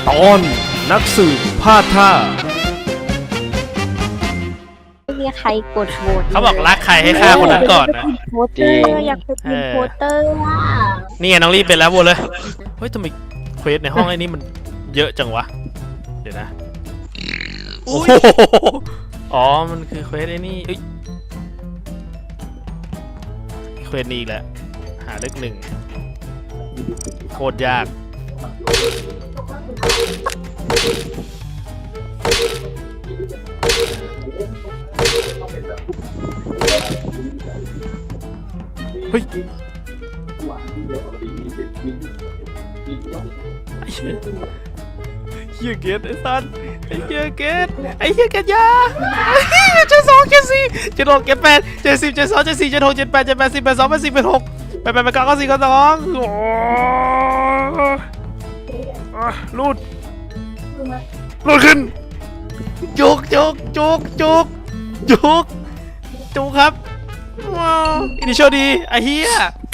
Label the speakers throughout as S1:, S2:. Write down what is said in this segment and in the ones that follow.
S1: ตอนนักสืบพลาดท่า
S2: ไม่มีใครกดโหวต
S1: เขาบอกรักใครให้ฆ่าคนนั้นก่อนนะ
S2: โพสเตอร์อยากเป็นโพสเตอร์อ่ะ
S1: นี่ไงน้องรีบเป็นแล้วโวเลยเฮ้ยทำไมเควสในห้องไอ้นี่มันเยอะจังวะเดี๋ยวนะโอ้โหอ๋อมันคือเควสไอ้นี่เอ้ยเควสนี้อีกแล้วหาเลขหนึ่งโคตรยากเฮ้ยเฮียเกตไอ้สันไอ้เฮียเกตไอ้เฮียเกตยาเจ็ดสองเจ็ดสี่เจ็ดหกเจ็ดแปดเจ็ดสิบเจ็ดสองเจ็ดสี่เจ็ดหกเจ็ดแปดเจ็ดแปดสิบแปดสองแปดสิบแปดหกแปดแปดแปดเก้าเก้าสี่เก้าสองลูดขึ้นจุกครับว้าวอินิโชดีไอ้เฮีย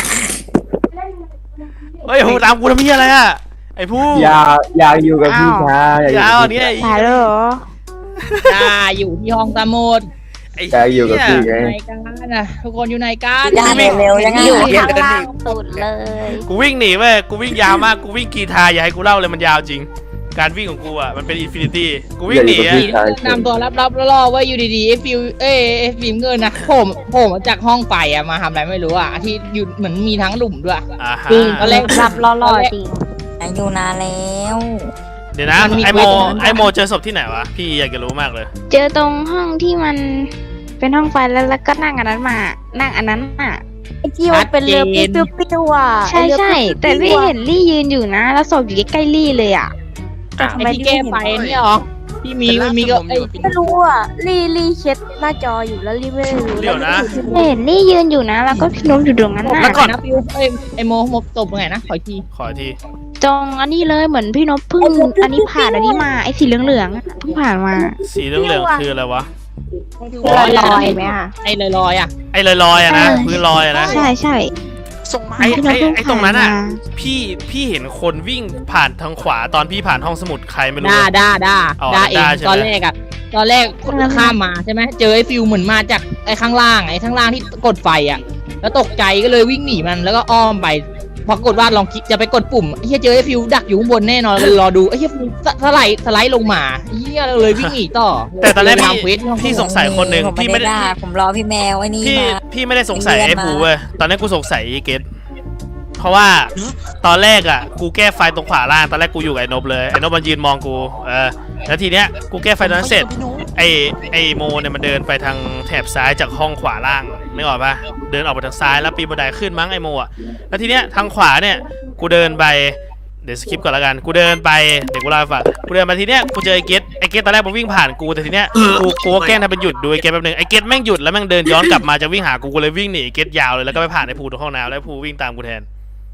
S1: เฮ้ยโหตามกูทำเฮียอะไรอะไอ้ผู้
S3: อยากอยู่กับพี่ชาย
S1: ยาวนี่ไอ้
S2: ตายแล้วเหรอ
S4: อยู่ที่ห้องสมุด
S3: อยากอยู่กับพี่ไง
S4: ในกันนะทุกคนอยู่ในกัน
S2: ได้เร็วยังอยู่ข้างล่างสุดเลย
S1: กูวิ่งหนีเว้ยกูวิ่งยาวมากกูวิ่งกีทาอย่าให้กูเล่าเลยมันยาวจริงการวิ่งของกูอ่ะมันเป็นอินฟินิตี้กูวิ่งหนีอ่ะ
S4: นำตัวรับล่อว่าอยู่ดีๆเอฟิล์มเงินนะโผล่มาจากห้องไปอะมาทำอะไรไม่รู้อะที่อยู่เหมือนมีทั้งหลุมด้วย
S1: ฮะ
S2: จริง
S4: ตอนแรก
S2: รับล่อๆจริงอยู่นานแล้ว
S1: เดี๋ยวนะไอโมเจอศพที่ไหนวะพี่อยากจะรู้มากเลย
S5: เจอตรงห้องที่มันเป็นห้องไฟแล้วก็นั่งอันนั้นมานั่งอันนั้นอ่ะ
S2: ไอ้ที่มันเป็นเรือปิ้วๆอ่ะ
S5: ใช่ใช่แต่ลี่เห็นลี่ยืนอยู่นะ แล้วศพอยู่ใกล้ๆลี่เลยอ่ะ
S1: อ้าว
S4: ไอ้ที่แก้ไฟเนี่ยหรอที่มันมีก็
S2: ไม่รู้อ่ะลี่เช็ดหน้าจออยู่แล้วลี่ไม่รู้
S1: เดี๋ยวนะ
S5: เห็นลี่ยืนอยู่นะ แล้วก็พี่นุ๊กอยู่ตรงนั้นน่ะ
S1: แล้วก่อน
S4: นะฟิวไอโมตบไงนะขออีกที
S1: ขออีกที
S5: จงอันนี้เลยเหมือนพี่นพเพิ่งอันนี้ผ่านอันนี้มาไอ้สีเหลืองๆอะเพิ่งผ่านมา
S1: สีเหลืองคืออะไรวะ
S2: ลอยไหมอ่ะ
S4: ไอลอยอะ
S1: ไอลอยๆอะนะพื้นลอยอะนะ
S5: ใช่ใช่
S1: ไอ
S5: พี่นพเพิ่ง
S1: ตรงนั้น
S5: ผ่า
S1: อ่ะ
S5: มา
S1: พี่เห็นคนวิ่งผ่านทางขวาตอนพี่ผ่านห้องสมุดใครไม่รู้
S4: ด่า
S1: อ๋อ
S4: เอง
S1: ด่าใช่ไหม
S4: ตอนแรกข้ามมาใช่ไหมเจอไอฟิวเหมือนมาจากไอข้างล่างที่กดไฟอะแล้วตกใจก็เลยวิ่งหนีมันแล้วก็อ้อมไปพอกดว่าลองคลิกจะไปกดปุ่มเฮียเจอไอฟิวดักอยู่ข้างบนแน่นอนเลยรอดูไอเฮียสไลด์ลงมาเฮียเลยวิ่งหนีต่อ
S1: แต่ตอนแรก
S4: ทำเควสที่ห้อง
S1: พี่สงสัยคนหนึ่งพี่ไม่ได้
S2: ผมรอพี่แมวไอ้นี่
S1: พี่ไม่ได้สงสัย
S2: เรียน
S1: ไอ้
S2: มา
S1: ผูเว้ยตอนนี้กูสงสัยไอ้เกตเพราะว่าตอนแรกอ่ะกูแก้ไฟตรงขวาล่างตอนแรกกูอยู่กับไอ้นบเลยไอ้นบมันยืนมองกูแล้วทีเนี้ยกูแก้ไฟตอนนั้นเสร็จไอ้โมเนี่ยมันเดินไปทางแถบซ้ายจากห้องขวาล่างนึกออกปะเดินออกไปทางซ้ายแล้วปีนบันไดขึ้นมั้งไอ้โมอ่ะแล้วทีเนี้ยทางขวาเนี่ยกูเดินไปเดี๋ยวสคิปก่อนละกันกูเดินไปเดี๋ยวกูเล่าให้ฟังกูเดินมาทีเนี้ยกูเจอไอ้เกตตอนแรกมันวิ่งผ่านกูแต่ทีเนี้ยกูก็แกล้งทำเป็นหยุดดูไอ้เกตแป๊บนึงไอ้เกตแม่งหยุดแล้วแม่งเดินย้อนกลับมาจะวิ่งหากูเลยวิ่งหนีไอ้เกตยาวเลยแล้วก็ไปผ่านไอ้ภูตรงห้องน้ำแล้วไอ้ภูวิ่งตามกูแทน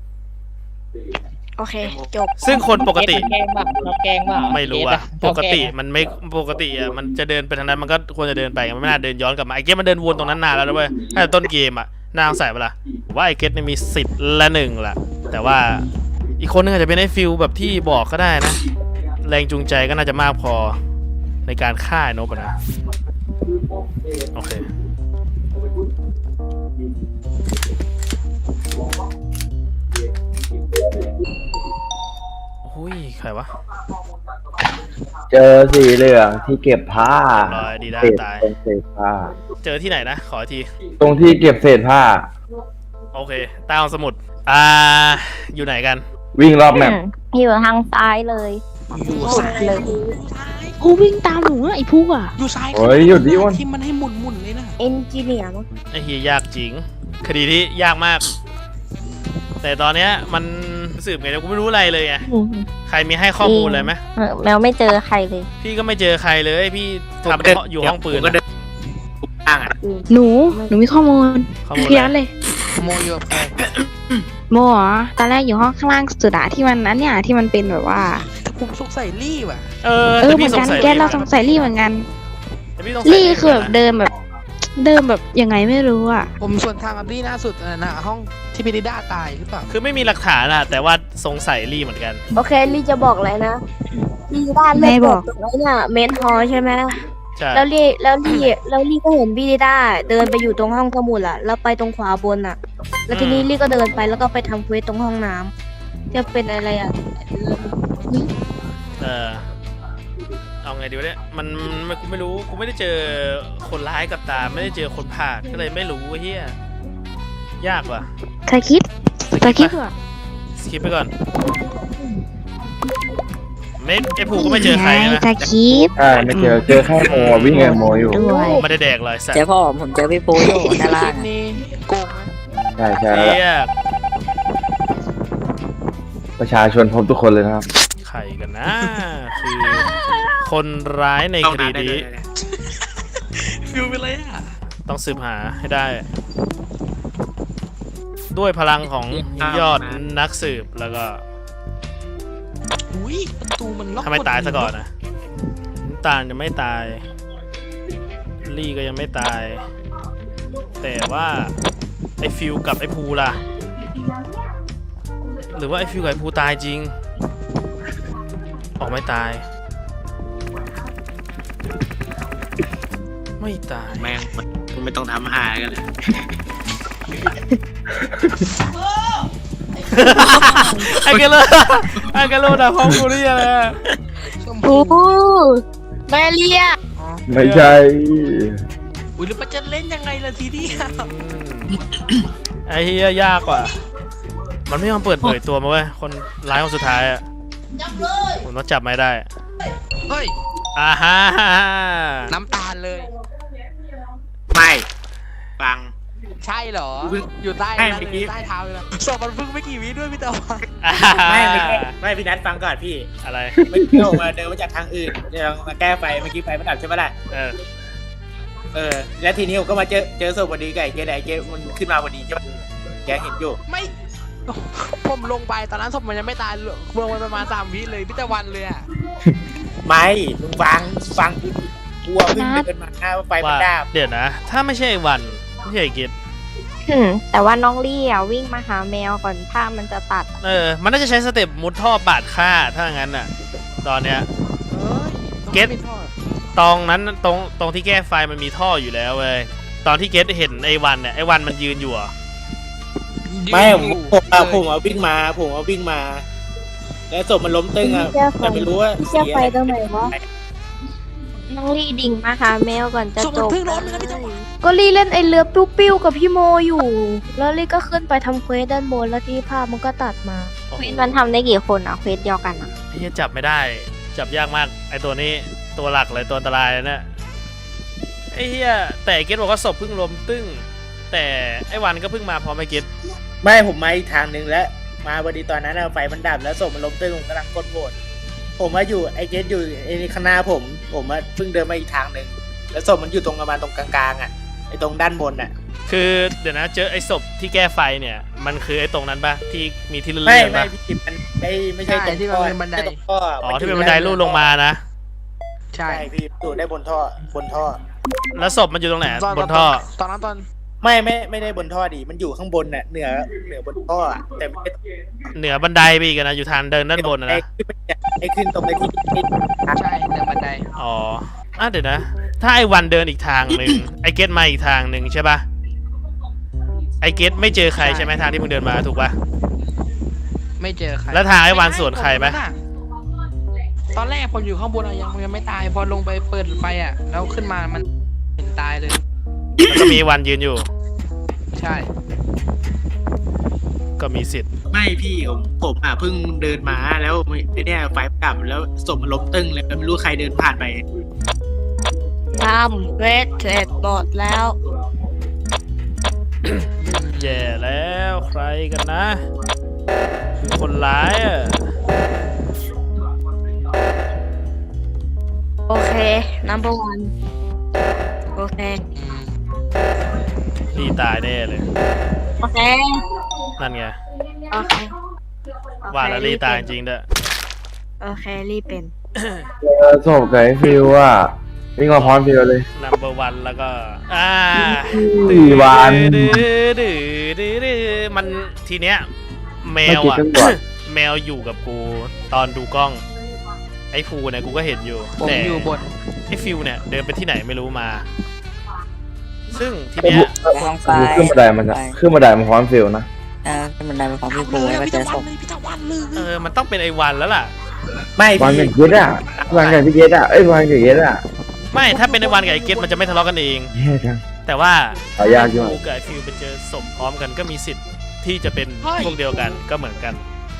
S2: โอเคจบ
S1: ซึ่งคนปกติ
S4: แกล้งบ้า
S1: ไม่รู้อะปกติมันไม่ปกติอะมันจะเดินไปทางนั้นมันก็ควรจะเดินไปมันไม่น่าเดินย้อนกลับมาไอ้เกตมันเดินวนตรงนั้นนานแล้วนะเว้ยตั้งแต่ต้นเกมอะน่าสงสัยเปะล่าผมว่าไอ้เกตเนี่ยมี10 ละ1ละแต่ว่าอีกคนนึงอาจจะเป็นไอ้ฟิลแบบที่บอกก็ได้นะแรงจูงใจก็น่าจะมากพอในการฆ่าไอ้นบอะนะโอเคอุ้ยใครวะ
S3: เจอสีเหลืองที่เก็บผ้า
S1: ลอยดีด้า
S3: เศษ
S1: ตาย
S3: ตรงเศษผ้า
S1: เจอที่ไหนนะขออีกที
S3: ตรงที่เก็บเศษผ้า
S1: โอเคใต้ห้องสมุดอยู่ไหนกัน
S3: วิ่งรอบแมป
S2: อยู่ทางซ้ายเลยสุดเลย
S5: ผู้วิ่งตามหนูอะไอ้ผู้อ่ะ
S6: อยู่ซ้าย
S3: โอ้ยหยุดดิวัน
S6: ที่มันให้หมุนเลยนะ
S2: เอนจิเนียร์มั้ง
S1: ไอ้เฮียยากจริง คดีที่ยากมาก แต่ตอนเนี้ยมันสืบไงเนี่ยกูไม่รู้อะไรเลยไงใครมีให้ข้อมูลเลยไหม
S2: แมวไม่เจอใครเลย
S1: พี่ก็ไม่เจอใครเลยพี่ทำอยู่ห้องปืนอะ
S5: หนูมีข้อมูล
S1: ข้อมูล
S5: พี่นัทเลย
S6: โมอยู่กับใคร
S5: โมเหรอตอนแรกอยู่ห้องข้างล่างสุดอะที่มันนั้นเนี่ยที่มันเป็นแบบว่า
S6: แต่ผมสงสัยลี่ว่ะ
S5: เห
S1: แต่
S5: มื
S1: พี่
S5: อน
S1: ส
S5: กั
S1: ง
S5: น
S1: สัย
S5: แกเราสงสัยลี่เหมือนกัน
S1: แต่พี่สงสัย
S5: ลี่คือแบบเดิมแบบยังไงไม่รู้อ่ะ
S6: ผมส่วนทางกับลี่ล่าสุดนะห้องที่พิริด้าตายหรือเปล่า
S1: คือไม่มีหลักฐานอะแต่ว่าสงสัยลี่เหมือนกัน
S2: โอเคลี่จะบอกเลยนะลี่ด้านเลือดตกตรงนั้นน่ะเมนฮอลใช่ไหม
S1: ใช่
S2: แล้วลี่ก็เห็นพี่ด้าเดินไปอยู่ตรงห้องสมุดอะแล้วไปตรงขวาบนอะแล้วทีนี้ลี่ก็เดินไปแล้วก็ไปทำเควสตรงห้องน้ำจะเป็นอะไรอะ
S1: เอาไงดีวะเนี่ยมันกูไม่รู้กูไม่ได้เจอคนร้ายกับตาไม่ได้เจอคนผ่านก็เลยไม่รู้เฮียยากว่ะ
S5: เธอคิดเหรอ
S1: สคิปไปก่อนไม่ไอผูก็ไม่เจอใครนะ
S5: เธอคิด
S3: ใช่ไม่เจอแค่โมวิ่งกับโมอยู่
S5: ด้วย
S1: ไม่ได้แดกเลยสัต
S7: เจอ
S1: ว์
S7: พ่อผมเจอพี่ปูอยู่ด้านล่าง
S6: นี่โกงไหม
S3: ใช่ใช่
S1: เฮีย
S3: ประชาชนพบทุกคนเลยนะครับ
S1: ใครกันนะ คือคนร้ายในคดีนี้
S6: ฟิวไปเลยอ่ะ
S1: ต้องสืบหาให้ได้ ด้วยพลังของยอดนักสืบแล้วก็
S6: อุ้ยประตูมันล็อก
S1: ทำไมตายซะก่อนนะน้ำตาลยังไม่ตาย ลี่ก็ยังไม่ตาย แต่ว่าไอฟิวกับไอภูล่ะ หรือว่าไอฟิวกับไอภูตายจริง ออกไม่ตาย ไม่ตาย
S8: แม่งมันไม่ต้องทำหากันเลย
S1: ไอ้กันเลยไอ้กันเลยด่าพ้องกูนี่อะไรอะ
S2: โอ้แม่เลีย
S3: ไม่ใช่
S6: อุ้ยแล้วมันจะเล่นยังไงล่ะทีเดียว
S1: ไอ้เฮียยากกว่า มันไม่ยอมเปิดเผยตัวมาเว้ย คนร้ายคนสุดท้ายอะผมต้องจับไม่ได้
S6: เฮ้ย
S1: อ่าฮะ
S6: น้ำตาลเลย
S8: ไม่ฟัง
S6: ใช่เหรอ อยู่ใต้
S8: ไม่
S6: นั่น
S8: เมื่อกี้
S6: เลยใต้เท้าเลยนะสอบมันเพิ่งไม่กี่วิด้วยพี่ตะวัน
S8: ไม่พี่นัทฟังก่อนพี่
S1: อะไร
S8: ไม่เที่ยวมาเดินมาจากทางอื่นเดี๋ยวมาแก้ไฟเมื่อกี้ไฟมันดับใช่ไหมล่ะ แล้วทีนี้ผมก็มาเจอศพพอดีไก่เจ๊ไหนเจ๊มันขึ้นมาพอดีใช่ไหมแกเห็นอยู่
S6: ไม่ผมลงไปตอนนั้นศพมันยังไม่ตายลงไปประมาณ3 วิเลยพี่ตะวันเลยอ่ะ
S8: ไม่ลุงฟังกลัวเพิ่งเดินมาว่าไฟมัน
S1: ว่า
S8: ดับ
S1: เดี๋ยวนะ ถ้าไม่ใช่ไอ้วันไม่ใช่ไอ้กิจ
S2: แต่ว่าน้องลี่อ่ะวิ่งมาหาแมวก่อนภาพมันจะตัด
S1: มันน่าจะใช้สเต็ปมุดท่อปาดฆ่าถ้างั้นน่ะ ตอนเนี้ย เก็ต ตรงนั้นตรงที่แก้ไฟมันมีท่ออยู่แล้วเว้ย ตอนที่เกตเห็นไอ้วันเนี่ยไอ้วันมันยืนอยู่อะ
S8: ไม่ผมเอาวิ่งมา แล้วศพมันล้มตึงอ่ะแต่ไม่รู้ว่า
S2: พี่เชื่อไฟตรงไหนวะ น้องลี่ดิ่งมาหาแมวก่อนจะ
S6: ศพ
S2: จ
S6: มัน
S2: บ
S6: เพิ่งล้มเลยนะพี่ตะวัน
S2: ก็ลี่เล่นไอเรือปิ้วๆกับพี่โมอยู่ แล้วลี่ก็ขึ้นไปทำเควสด้านบนแล้วที่ภาพมันก็ตัดมา
S1: โอ้
S5: เคว
S1: โห
S5: สมันทำได้กี่คนอ่ะเควสเดียวกันอ่ะ
S1: ไอ้เหี้ยจับไม่ได้ จับยากมาก ไอ้ตัวนี้ตัวหลักเลยตัวอันตรายเลยเนี่ยไอ้เหี้ยแต่เกตบอกว่าศพเพิ่งล้มตึ้ง แต่ไอ้วันก็เพิ่งมาพร้อมไอ้เกต
S8: ไม่ผมมาอีกทางหนึ่งแล้วมาพอดีตอนนั้นอะไฟมันดับแล้วศพมันล้มตึงผมกำลังกดโหวตผมว่าอยู่ไอเกสอยู่ไอ้ข้างหน้าผมว่าเพิ่งเดินมาอีกทางหนึ่งแล้วศพมันอยู่ตรงประมาณตรงกลางๆอ่ะไอตรงด้านบนอ่ะ
S1: คือเดี๋ยวนะเจอไอ้ศพที่แก้ไฟเนี่ย มันคือไอ้ตรงนั้นปะที่มีที่เลื่
S8: ไม่
S1: อนๆ
S8: ไม่
S1: ปะ
S8: พี่มันไม่ใช่ตรง
S6: ที่มันเป็นบันได
S8: ม่ใช่ตรงท่อ
S1: อ๋อที่เป็นบันไดลู่ลงมานะ
S6: ใช่
S8: ใช่พี่อยู่ได้บนท่อ
S1: แล้วศพมันอยู่ตรงไหนบนท่อ
S6: ตอนนั้นตอน
S8: ไม่ได้บนท่อดิมันอยู่ข้างบนน่ะเหนือบนท่ออะแต่ไม่ได้
S1: เหนือบันไดไปอีกอะนะอยู่ทางเดินด้านบนอะนะ
S8: ไอ้ขึ้นตรงไอ้ที่
S6: ใช่เหนือบันได
S1: อ๋อเดี๋ยวนะ ถ้าไอ้วันเดินอีกทางหนึ่ง ไอ้เกตมาอีกทางหนึ่งใช่ปะไอ้เกตไม่เจอใครใช่ไหมทางที่มึงเดินมาถูกปะ
S6: ไม่เจอใคร
S1: แล้วทางไอ้วันสวนใครไหม
S6: ตอนแรกผมอยู่ข้างบนอะยังไม่ตายพอลงไปเปิดไฟอ่ะแล้วขึ้นมามันเห็นตายเลย
S1: แล้วก็มีวันยืนอยู่
S6: ใช่
S1: ก็มีสิทธิ์
S8: ไม่พี่ผมเพิ่งเดินมาแล้วไอ้เนี่ยไฟดับแล้วศพมันล้มตึงเลยไม่รู้ใครเดินผ่านไป
S2: ทำเควสเสร็จหมดแล้ว
S1: แย่แล้วใครกันนะ คือคนร้ายอะ
S2: โอเค number one โอเค
S1: นี่ตายแน่เลย
S2: โอเค
S1: นั่นไง
S2: โอเค
S1: ว่าแล้วลี่ตายจริงด้วย
S2: โอเคลี่เป็น
S3: ศพกับไอ้ฟิวอ่ะวิ่งมาพร้อมฟิวเลย
S1: number one แล้วก็
S3: 4 วัน
S1: ดื้อมันทีเนี้ยแมว
S3: ไม่คิด
S1: อ่ะ
S3: ตำรวจ
S1: แมแมวอยู่กับกูตอนดูกล้องไอ้ฟูเนี่ยกูก็เห็นอยู่
S6: ผม
S1: แต่
S6: อยู่บน
S1: ไอ้ฟิวเนี่ยเดินไปที่ไหนไม่รู้มา ซึ่งทีเนี้ย
S7: ห้องไฟ
S3: ขึ้นบันไดมันอะขึ้นบันไดมันพร้อมฟิลนะ
S7: ขึ้นบันไดไปของพี่
S6: เล
S7: ปู
S6: ย
S7: แล้วก็
S6: พี่
S7: เจ
S6: ตะ
S7: อศ
S6: วัน
S7: พ
S6: เลยพี่ตะวันเลย
S1: มันต้องเป็นไอ้วันแล้วล่ะ
S8: ไม่
S3: วัน
S8: พี่
S3: กับเกตอะวันกับพี่เกตอะวันกับเกตอะ
S1: ไม่ถ้าเป็นไอ้วันกับไอ้เกตมันจะไม่ทะเลาะกันเอง
S3: แย่จัง
S1: แต่ว่า
S3: หายากอยู่
S1: กูกับไอ้ฟิวไปเจอศพพร้อมกันก็มีสิทธิ์ที่จะเป็นพวกเดียวกันก็เหมือนกัน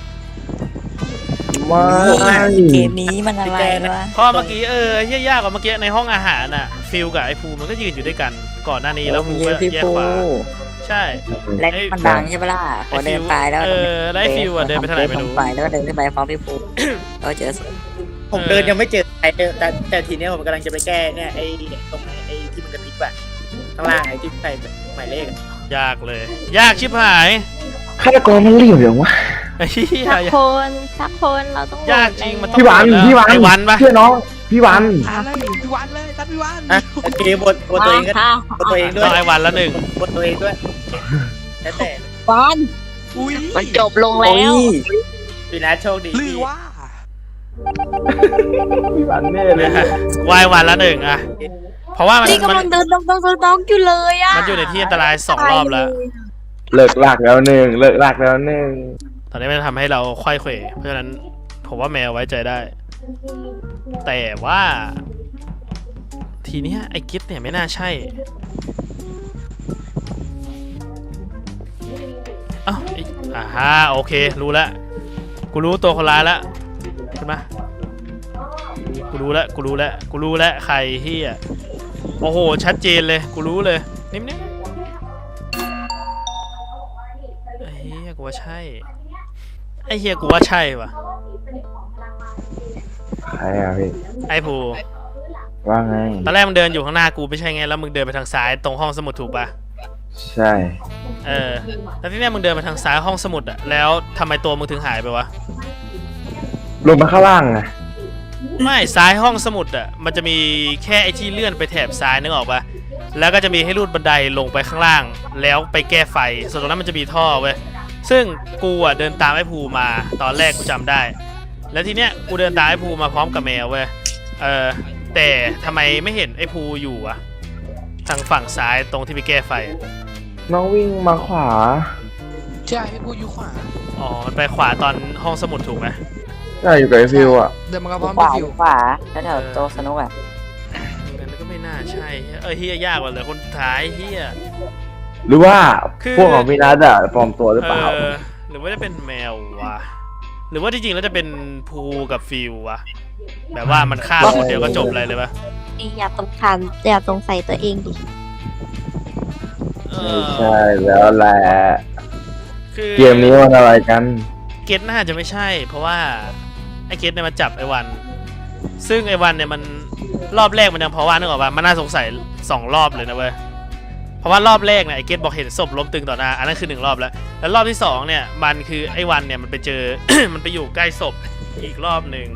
S3: ไม่
S7: เกมนี้มันอะไรวะ
S1: เพราะเมื่อกี้เฮี้ยยากกว่าเมื่อกี้ในห้องอาหารน่ะฟิวกับไอ้ฟูมันก็ยืนอยู่ด้วยกันก่อนหน้านี้แล้วฟูก็
S7: พี่
S1: แยก
S7: ปู
S1: ขวาใช่
S7: และมันดังใช่ปะล่ะพอเดินไปแล้ว
S1: แล้วไอ้ฟิวอะเดินไปทางไหนไม่รู้
S7: ไปแล้วก็เดินขึ้นไปพร้อมพี่ปูแล้วเจอศพ
S8: ผมเดินยังไม่เจอใครแต่ทีเนี้ยผมกำลังจะไปแก้เนี่ยไอ้ตรงไอ้ที่มันกระพริบอะข้างล่างไอ้ที่ใส่หมายเลขอะ
S1: ยากเลย ยากชิบหาย
S3: ฆาตกรมันรีบอย่างวะ
S1: ไอ้เหี้ย
S2: สักคนเราต้อง
S1: ยากจริงมันต้อง
S3: พี่หวาน
S1: โห
S3: พี่หวาน
S1: ไอ้วันปะ
S3: เชื่อน้องพี่หวาน
S6: เลยพี่วันเลยทัดพี่วัน
S8: อ่ะโอเคบนตัวเองก็บนตัวเองด้ว
S1: ต้
S8: ย
S1: องไอ้วันละหนึ่ง
S8: บนตัวเองด้วยแล้วแต่
S6: อุ้ย
S5: มันจบลงแล้ว
S8: พี่นัทโชคดี
S6: หรือว่า
S3: พี่หวานแน่เลย
S1: วายวันละหนึ่งอะเพราะว่ามัน
S2: นี่กำลังเดินดองอยู่เลยอ่ะ
S1: มันอยู่ในที่อันตราย2 รอบแล้ว
S3: เลิกลากแล้วหนึ่งเลิกลากแล้วหนึ่ง
S1: ตอนนี้มันทำให้เราค่อยเขวเพราะฉะนั้นผมว่าแมวไว้ใจได้ แต่ว่า ทีเนี้ยไอ้กิฟเนี่ยไม่น่าใช่อ้าวฮะโอเครู้แล้วกูรู้ตัวคนร้ายแล้วขึ้นมากูรู้แล้วใครเฮียโอ้โหชัดเจนเลยกูรู้เลยนิ่มๆไอ้เฮียกูว่าใช่ไอ้เฮียกูว่าใช่ว่ะ
S3: ใครอะพี่
S1: ไอ้ภู
S3: ว่าไง
S1: ตอนแรกมึงเดินอยู่ข้างหน้ากูไม่ใช่ไงแล้วมึงเดินไปทางซ้ายตรงห้องสมุดถูกปะ
S3: ใช่
S1: แล้วที่เนี้ยมึงเดินไปทางซ้ายห้องสมุดอะแล้วทำไมตัวมึงถึงหายไปวะ
S3: ลงมาข้างล่างไง
S1: ไม่ซ้ายห้องสมุดอะมันจะมีแค่ไอ้ที่เลื่อนไปแถบซ้ายนึกออกปะแล้วก็จะมีให้ลูดบันไดลงไปข้างล่าง แล้วไปแก้ไฟส่วนตรงนั้นมันจะมีท่อเว้ยซึ่งกูอะเดินตามไอ้ภูมาตอนแรกกูจำได้ แล้วทีเนี้ยกูเดินตามไอ้ภูมาพร้อมกับแมวเว้ยแต่ทำไมไม่เห็นไอ้ภูอยู่อะทางฝั่งซ้ายตรงที่ไปแก้ไฟอะ
S3: น้องวิ่งมาขวา
S6: ใช่พี่ปูอยู่ขวา
S1: อ๋อมันไปขวาตอนห้องสมุดถูกไหม
S3: ใช่อยู่กับไอ้ฟิวอะ
S6: เดินมากับพร้อม
S7: ขวา
S6: พี่ฟิว
S7: ขวาแล้วแถวโตะสนุกอะ
S1: งั้นก็ไม่น่าใช่เฮียยากกว่าเลยคนสุดท้ายเฮีย
S3: หรือว่า
S1: คือ
S3: พวกของพี่นัทอะปลอมตัวหรือเปล่า
S1: หรือว่าจะเป็นแมววะหรือว่าที่จริงแล้วจะเป็นภูกับฟิววะแบบว่ามันฆ่าคนเดียวก็จบเลยเลยปะ
S2: อย่าสงสัยตัวเองดิ
S3: ไม่ใช่แล้วแหละ
S1: คือ
S3: เกมนี้มันอะไรกัน
S1: เกตน่าจะไม่ใช่ เพราะว่าไอ้เกตเนี่ยมาจับไอ้วัน ซึ่งไอ้วันเนี่ยมันรอบแรกมันยังเพราะว่านึกออกปะมันน่าสงสัย2 รอบเลยนะเว้ยเพราะว่ารอบแรกเนี่ยไอ้เกตบอกเห็นศพล้มตึงต่อหน้าอันนั้นคือ1 รอบแล้วแล้วรอบที่2เนี่ยมันคือไอ้วันเนี่ยมันไปเจอ มันไปอยู่ใกล้ศพอีกรอบหนึ่ง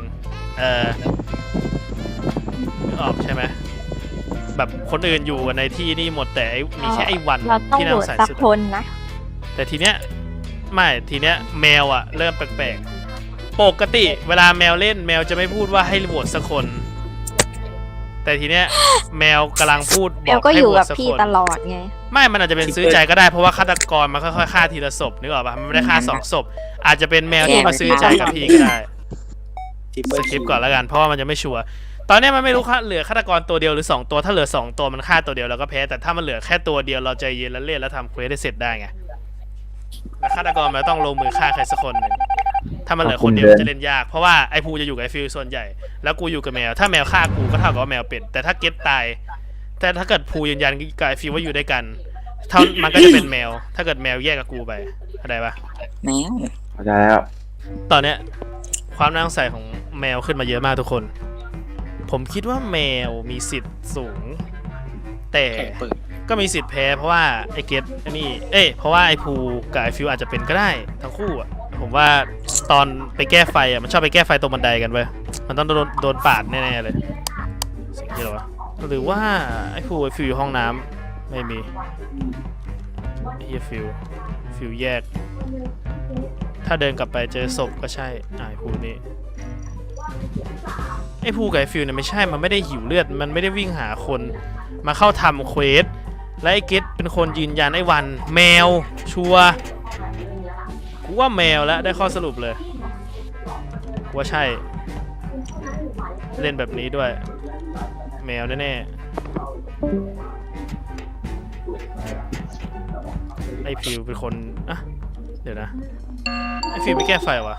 S1: นึกออกใช่ไหมแบบคนอื่นอยู่กันในที่นี่หมดแต่มีแค่ไอ้วัน
S2: เราต้อง
S1: ที่
S2: โห
S1: น่าว
S2: ต
S1: สงสัย
S2: สัก
S1: สุด
S2: คนนะ
S1: แต่ทีเนี้ยไม่ทีเนี้ยแมวอะเริ่มแปลกๆปกติเวลาแมวเล่นแมวจะไม่พูดว่าให้โหวตสักคน แต่ทีเนี้ยแมวกำลังพูดบ
S2: แล้
S1: อ
S2: ว
S1: ก
S2: ก็
S1: ให้
S2: อยู่
S1: โหว
S2: กับ
S1: ตสัก
S2: พี่
S1: คน
S2: ตลอดไง
S1: ไม่มันอาจจะเป็นซื้อใจก็ได้เพราะว่าฆาตกรมันค่อยๆฆ่าทีละศพนึกออกปะมันไม่ได้ฆ่า2 ศพอาจจะเป็นแมวที่มาซื้อใจกับพี่ก็ได้สคริปต์ก่อนแล้วกันเพราะว่ามันจะไม่ชัวร์ตอนเนี้ยมันไม่รู้เหลือฆาตกรตัวเดียวหรือ2 ตัวถ้าเหลือ2 ตัวมันฆ่าตัวเดียวเราก็แพ้แต่ถ้ามันเหลือแค่ตัวเดียวเราใจเย็นแล้วเล่นแล้วทำเควสได้เสร็จได้ไงแล้วฆาตกรมันต้องลงมือฆ่าใครสักคนหนึ่งถ้ามันเหลือคนเดียวจะเล่นยากเพราะว่าไอ้ภูจะอยู่กับไอ้ฟิลส่วนใหญ่แล้วกูอยู่กับแมวถ้าแมวฆ่ากูก็เท่ากับว่าแมวเป็นแต่ถ้าเก็ตตายแต่ถ้าเกิดภูยืนยันกับไอ้ฟิลว่าอยู่ด้วยกันมันก็จะเป็นแมวถ้าเกิดแมวแยกกับกูไปเข้าใจปะ
S7: แมว
S3: เข้าใจแล้ว
S1: ตอนเนี้ยความน่าสงสัยของแมวขึ้นมาเยอะมากทุกคน ผมคิดว่าแมวมีสิทธิ์สูง แต่ก็มีสิทธิ์แพ้เพราะว่าไอ้เกตนี่เพราะว่าไอ้ภูกับไอ้ฟิวอาจจะเป็นก็ได้ทั้งคู่อ่ะผมว่าตอนไปแก้ไฟอ่ะมันชอบไปแก้ไฟตรงบันไดกันเว้ยมันต้องโดนปาดแน่ๆเลยสิ่งที่เราหรือว่าไอ้ภูไอ้ฟิวอยู่ห้องน้ำไม่มีไอ้เหี้ยฟิวแยกถ้าเดินกลับไปเจอศพก็ใช่ไอ้ภูนี่ไอ้ภูกับไอ้ฟิวเนี่ยไม่ใช่มันไม่ได้หิวเลือดมันไม่ได้วิ่งหาคนมาเข้าทำเควสและไอ้เกตเป็นคนยืนยันไอ้วันแมวชัวร์กูว่าแมวแล้วได้ข้อสรุปเลยว่าใช่เล่นแบบนี้ด้วยแมวแน่ๆไอ้ฟิวเป็นคนอ่ะเดี๋ยวนะไอ้ฟิวไม่แก้ไฟวะ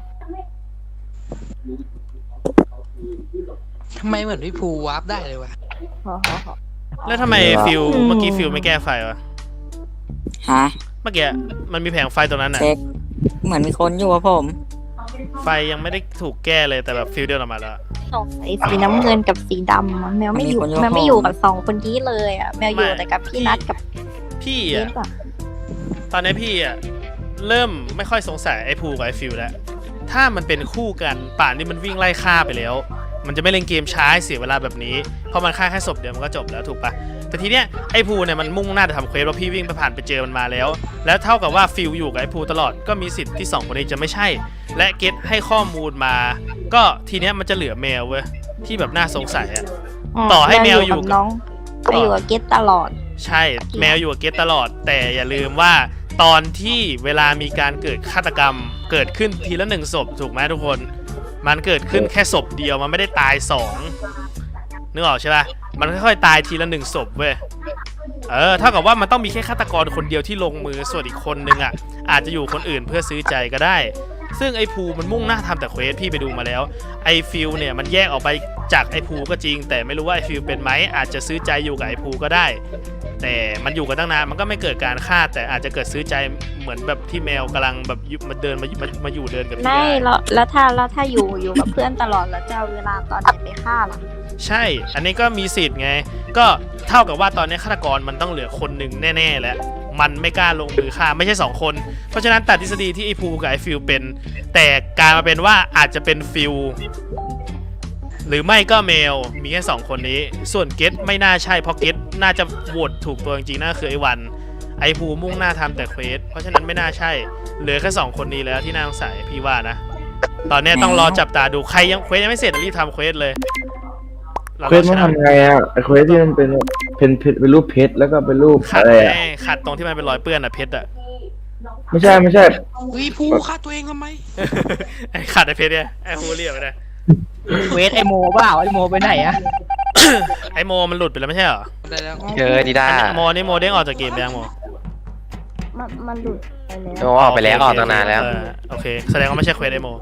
S6: ทำไมเหมือนพี่ภูวาร์ปได้เลยวะ
S1: แล้วทำไมฟิวเมื่อกี้ฟิวไม่แก้ไฟวะ
S7: ฮะ
S1: เมื่อกี้มันมีแผงไฟตรงนั้นน่ะ
S7: เช็คเหมือนมีคนอยู่กับผม
S1: ไฟยังไม่ได้ถูกแก้เลยแต่แบบฟิวเดินออกมาแล้ว
S5: ไอ้สีน้ำเงินกับสีดำอะแมวไม่อยู่แมวไม่อยู่กับ2คนนี้เลยอ่ะแมวอยู่แต่กับพี่นัทกับ
S1: พี่
S5: เก
S1: อ่ะ
S5: สอ่ะ
S1: ตอนนี้พี่อ่ะเริ่มไม่ค่อยสงสัยไอ้ภูกับไอ้ฟิวแล้วถ้ามันเป็นคู่กันป่านนี้มันวิ่งไล่ฆ่าไปแล้ว มันจะไม่เล่นเกมช้าเสียเวลาแบบนี้เพราะมันฆ่าแค่ศพเดียวมันก็จบแล้วถูกปะแต่ทีเนี้ยไอ้ภูเนี่ยมันมุ่งหน้าจะทำเควสเพราะพี่วิ่งไปผ่านไปเจอมันมาแล้ว แล้วเท่ากับว่าฟิวอยู่กับไอ้ภูตลอดก็มีสิทธิ์ที่2คนนี้จะไม่ใช่ และเกตให้ข้อมูลมา ก็ทีเนี้ยมันจะเหลือแมวเว้ยที่แบบน่าสงสัยอะ ต่อให้แมวอยู่กับ
S5: น้องไปอยู่กับเกสตลอด
S1: ใช่แมวอยู่กับเกตตลอด แต่อย่าลืมว่าตอนที่เวลามีการเกิดฆาตกรรมเกิดขึ้นทีละ1ศพถูกไหมทุกคน มันเกิดขึ้นแค่ศพเดียวมันไม่ได้ตาย2นึกออกใช่ปะมันค่อยๆตายทีละ1ศพเว้ยเท่ากับว่ามันต้องมีแค่ฆาตกรคนเดียวที่ลงมือส่วนอีกคนนึงอ่ะอาจจะอยู่คนอื่นเพื่อซื้อใจก็ได้ ซึ่งไอ้ภูมันมุ่งหน้าทำแต่เควสพี่ไปดูมาแล้วไอ้ฟิลเนี่ยมันแยกออกไปจากไอ้ภูก็จริง แต่ไม่รู้ว่าไอ้ฟิลเป็นไหมอาจจะซื้อใจอยู่กับไอ้ภูก็ได้ แต่มันอยู่กันตั้งนานมันก็ไม่เกิดการฆ่าแต่อาจจะเกิดซื้อใจเหมือนแบบที่แมวกำลังแบบมาเดินมาอยู่เดินกับพี่
S5: ไม่
S1: ได้
S5: แล้วถ้าอยู่กับเพื่อนตลอดแล้วจะเอาเวลาตอนไหนไปฆ่าล่ะ
S1: ใช่ อันนี้ก็มีสิทธิ์ไง ก็เท่ากับว่าตอนนี้ฆาตกรมันต้องเหลือคนหนึ่งแน่ๆแล้วมันไม่กล้าลงมือฆ่าไม่ใช่2คนเพราะฉะนั้นตัดทฤษฎีที่ไอ้ภูกับไอ้ฟิลเป็น แต่กลายมาเป็นว่าอาจจะเป็นฟิลหรือไม่ก็เมลมีแค่2คนนี้ส่วนเกตไม่น่าใช่เพราะเกตน่าจะโหวตถูกตัวจริงๆน่าคือไอ้วันไอ้ภูมุ่งหน้าทำแต่เควสเพราะฉะนั้นไม่น่าใช่เหลือแค่2คนนี้แล้วที่น่าสงสัยพี่ว่านะตอนนี้ต้องรอจับตาดูใครยังเควสยังไม่เสร็จรีบทำเควสเลย
S3: เควสมันทำไงอ่ะไอเควสที่มันเป็นรูปเพชรแล้วก็เป็นรูป
S1: ขัด
S3: อะไร
S1: ไง
S3: อ่ะ
S1: ขัดตรงที่มันเป็นรอยเปื้อนอะเพชรอะ
S3: ไม่ใช่
S6: วิภูฆ่าตัวเองทำไม
S1: ไอ้ขัดไอ้เพชรเนี่ยไอ้ฮูเรียกไปเลย
S4: เวทไอโมเปล่าไอโมไปไหนอะ
S1: ไอ้โมมันหลุดไปแล้วไม่ใช่เหรอ
S6: ได้แล้ว
S9: เจอดีด้า
S1: โมนี่โมเด้งออกจากเกมไปยังโม
S2: มันหลุดไปแล้ว
S9: โอออกไปแล้วออกตั้งนานแล้ว
S1: โอเคแสดงว่าไม่ใช่เควสไอ้โม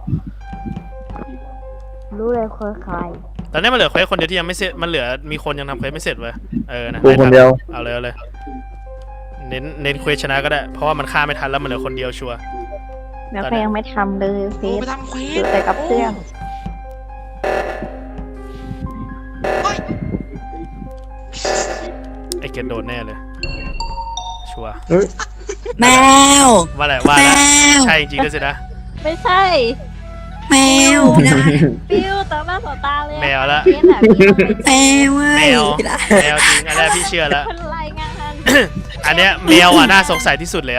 S2: รู้เลยเคยใคร
S1: ตอนนี้มันเหลือเควสคนเดียวที่ยังไม่เสร็จมันเหลือมีคนยังทำเควสไม่เสร็จเว้ยนะ
S3: กูคนเดียว
S1: เอาเลยเน้นเควสชนะก็ได้เพราะว่ามันฆ่าไม่ทันแล้วมันเหลือคนเดียวชัวร์
S5: แล้วก็ยังไม่ทำเลยเฟ
S6: ภู
S5: ส
S6: ไปทำเคว
S5: อยู่
S6: ส
S5: แต่กับเพื่อน
S1: ไอ้เกตโดนแน่เลยชัวร์
S7: แมว
S1: ว่าอะไร
S7: แม
S1: ใช่
S7: ว
S1: จริงๆด้วยสินะ
S5: ไม่ใช่
S7: แมว
S5: ฟิวต่อหน้าต่อตาเลย
S1: แมวละ
S5: เกสอะฟิว
S7: แมวเว้
S1: แม
S7: ยว
S1: แมวจริงอันนี้พี่เชื่อแล้ว
S5: เป็นรายงาน
S1: อันเนี้ยแมวอ่ะน่าสงสัยที่สุดแล้ว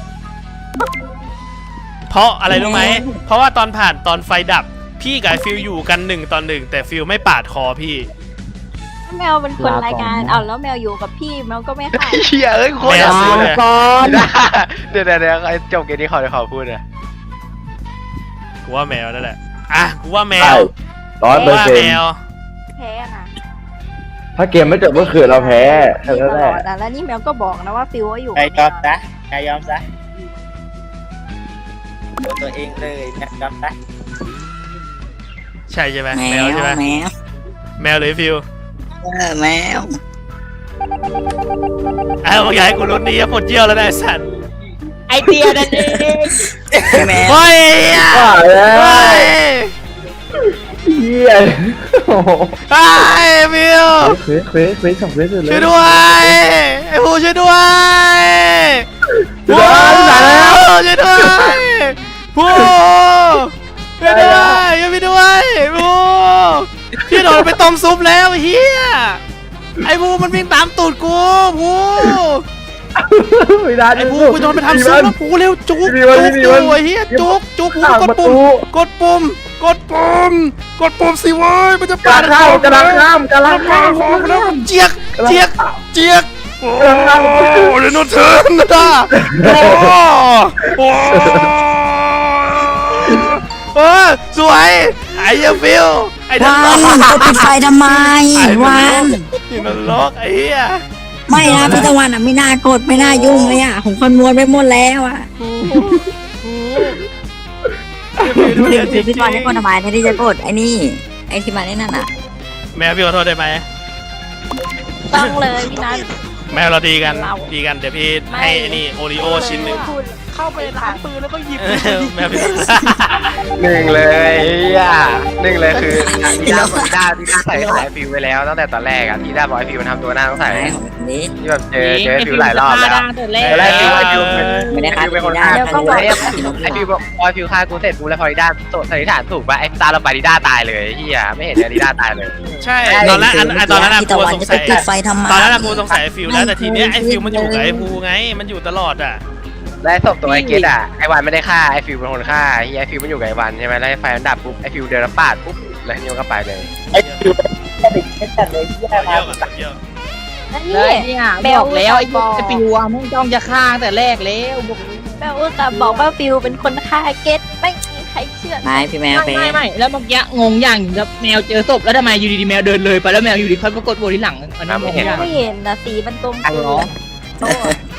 S1: เพราะอะไรรู้ไหม เพราะว่าตอนไฟดับ พี่กับฟิลอยู่กัน1 ต่อ 1แต่ฟิลไม่ปาดคอพี่
S5: แมวเป็นคนรายงานเอาแล้วแมวอยู่กับพี่แมวก็ไม่ฆ่า
S9: เฮียเอ้ยโคตร
S1: แมวซื้อเลย
S9: ดีด้าเดี๋ยวไอ้จบเกมนี้ขอพูดเลย
S1: กูว่าแมวนั่นแหละอ่ะกูว่าแม
S3: ใช่
S1: ว
S3: 100%
S1: กูว่าแมว
S5: แพ้นะ
S3: ถ้าเกมไม่จบก็คือเราแพ้แค่
S5: ต
S3: นั้นแห
S5: ล
S3: ละ
S5: อดอะแล้วนี่แมวก็บอกนะว่าฟิวว่าอยู่
S8: ใคร
S5: กับ
S8: ย
S5: แม
S8: อม
S5: ว
S8: ซะใครยอมซะตัวเองเลยนะยอมซะ
S1: ใช่ใช่ไหม
S7: แม
S1: แมว
S7: ว
S1: ใช่ไหม
S7: แมว
S1: แมวหรือฟิล
S7: แมว
S1: มึงอยากให้กูลุ้นดีอะปวดเยี่ยวแล้วนะไอ้สัตว์
S4: ไอเดียนั่นเอง
S7: แมว
S1: เฮ้ย
S3: ว่าแล้ว
S1: เฮ้ย
S3: เฮียโอ้โห
S1: เฮ้ยฟิล
S3: เควสสองเควสเลย
S1: ช่วยด้วยไอ้ผู้ช่วยด้วย
S3: ช่วยด้วยตายแล้ว
S1: ช่วยด้วยผู้ช่วยด้วยช่วยพี่ด้วยผู้พี่โดนไปต้มซุปแล้วเฮียไอ้ผู้มันวิ่งตามตูดกูผู้
S3: ไม่ได้
S1: ไอ้ภูไปโดนไปทำซุปแล้วภูเร็วจุกจุกอยู่ไอ้เหี้ยจุกจุกภูกดปุ่มกดปุ่มกดปุ่มกดปุ่มสิเว้ยมันจะ
S3: กำลังข้ามกำลังข้ามกำลังข้าม
S1: แล้วเจียกเจียกเจียกโอ้เรโนเทิร์นนะโอ้สวยไอ้ยังฟิวไอ้นั่น
S7: วันจะปิดไฟทำไมวัน
S1: นี่มันล็อกไอ้เหี้ย
S7: ไม่นะพี่ตะวันอ่ะไม่น่ากดไม่น่ายุ่งเลยอ่ะผมคำนวณไปหมดแล้วอ่ะคือพี่ตะวันให้คนทำไมที่จะกดไอ้นี่ไอ้ที่มาได้นั่นอ่ะ
S1: แม่พี่ขอโทษได้ไหม
S2: ต้องเลยพี่นัท
S1: แม่เราดีกันเดี๋ยวพี่ให้ไอ้นี่โอริโอชิ้นหนึ่ง
S6: เข้าไปร้านปืนแล้วก็หยิบ
S1: แม่พี่
S9: หนึ่งเลยหนึ่งเลยคือที่ด้าใส่ขายฟิวไปแล้วตั้งแต่ตอนแรกอะที่ด้าบอกไอฟิวมันทำตัวหน้าต้องใส่
S7: ไหนของนี้
S9: ที่แบบเจอฟิวหลายรอบแล้ว
S4: แร
S9: ตอนแรก
S4: ก
S9: ฟิว
S7: ไม่ได้ฆ่า
S9: เป็นคน
S7: ได้
S9: ฆ่า
S7: แล้วก็
S9: กู
S7: บอก
S9: ไอฟิวบอกพอฟิวฆ่ากูเสร็จกูแล้วพอดิด้าสันนิษฐานถูกป่ะไอตาเราไปดิด้าตายเลยเฮียไม่เห็นดิด้าตายเลย
S1: ใช่ตอนแรกตอนนั้น
S7: พี่
S1: กู
S7: ตะวัน
S1: สง
S7: จะ
S1: สั
S7: ไป
S1: ย
S7: ปิดไฟทำไม
S1: ตอนนั้นกูสงสัยไอ้ฟิวแล้วแต่ทีเนี้ยไอ้ฟิวมันอยู่กับไอ้ภูไงมันอยู่ตลอดอ่ะ
S9: และศพตัวไอเกตอะไอวันไม่ได้ฆ่าไอฟิวเป็นคนฆ่าเฮียไอฟิวมันอยู่กับไอวันใช่ไหมแล้วไฟมันดับปุ๊บไอฟิวเดินแล้วปาดปุ๊บแล้วนิวก็ไปเลย
S8: ไอ้ฟิวเด็กไม่ตัดเลยที่
S1: เยอะกันเยอะ
S4: เลยเนี่ยบอกแล้วไอ้ปิวอ่ะมึงจ้องจะฆ่าตั้งแต่แรกแล้วบอก
S2: แม่อุตส่าห์บอกว่าฟิวเป็นคนฆ่าเกตไม่มีใครเชื่อ
S7: ไม่พี่แมวเป็น
S4: ไม่แล้วเมื่อกี้งงอย่างแล้วแมวเจอศพแล้วทำไมอยู่ดีๆแมวเดินเลยไปแล้วแมวอยู่ดีค่อยก็กดโบที่หลังอันนั้นงงอย่าง
S2: ไม่เห็นนะสีมันกลม
S4: เหรอ